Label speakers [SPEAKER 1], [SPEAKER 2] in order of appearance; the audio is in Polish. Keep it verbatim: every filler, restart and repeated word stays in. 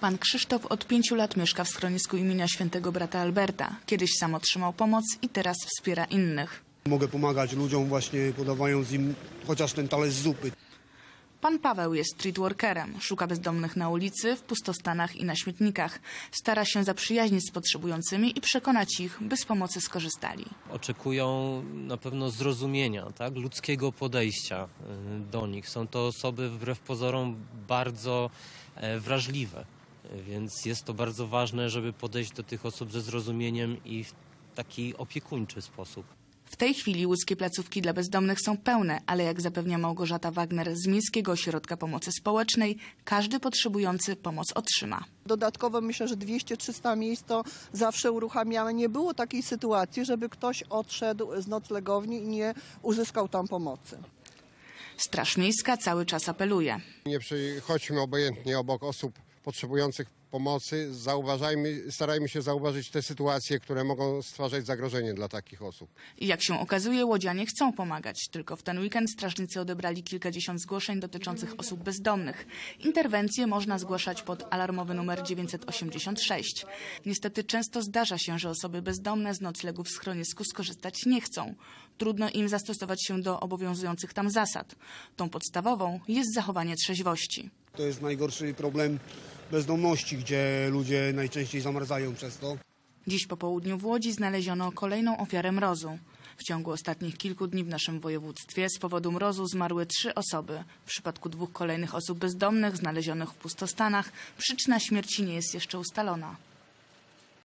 [SPEAKER 1] Pan Krzysztof od pięciu lat mieszka w schronisku imienia świętego brata Alberta. Kiedyś sam otrzymał pomoc i teraz wspiera innych.
[SPEAKER 2] Mogę pomagać ludziom właśnie podawając im chociaż ten talerz zupy.
[SPEAKER 1] Pan Paweł jest streetworkerem. Szuka bezdomnych na ulicy, w pustostanach i na śmietnikach. Stara się zaprzyjaźnić z potrzebującymi i przekonać ich, by z pomocy skorzystali.
[SPEAKER 3] Oczekują na pewno zrozumienia, tak? Ludzkiego podejścia do nich. Są to osoby wbrew pozorom bardzo wrażliwe, więc jest to bardzo ważne, żeby podejść do tych osób ze zrozumieniem i w taki opiekuńczy sposób.
[SPEAKER 1] W tej chwili łódzkie placówki dla bezdomnych są pełne, ale jak zapewnia Małgorzata Wagner z Miejskiego Ośrodka Pomocy Społecznej, każdy potrzebujący pomoc otrzyma.
[SPEAKER 4] Dodatkowo myślę, że dwieście trzysta miejsc to zawsze uruchamiamy. Nie było takiej sytuacji, żeby ktoś odszedł z noclegowni i nie uzyskał tam pomocy.
[SPEAKER 1] Straż Miejska cały czas apeluje.
[SPEAKER 5] Nie przechodźmy obojętnie obok osób potrzebujących pomocy. Zauważajmy, starajmy się zauważyć te sytuacje, które mogą stwarzać zagrożenie dla takich osób.
[SPEAKER 1] I jak się okazuje, łodzianie chcą pomagać. Tylko w ten weekend strażnicy odebrali kilkadziesiąt zgłoszeń dotyczących osób bezdomnych. Interwencje można zgłaszać pod alarmowy numer dziewięćset osiemdziesiąt sześć. Niestety często zdarza się, że osoby bezdomne z noclegów w schronisku skorzystać nie chcą. Trudno im zastosować się do obowiązujących tam zasad. Tą podstawową jest zachowanie trzeźwości.
[SPEAKER 2] To jest najgorszy problem bezdomności, gdzie ludzie najczęściej zamarzają przez to.
[SPEAKER 1] Dziś po południu w Łodzi znaleziono kolejną ofiarę mrozu. W ciągu ostatnich kilku dni w naszym województwie z powodu mrozu zmarły trzy osoby. W przypadku dwóch kolejnych osób bezdomnych znalezionych w pustostanach przyczyna śmierci nie jest jeszcze ustalona.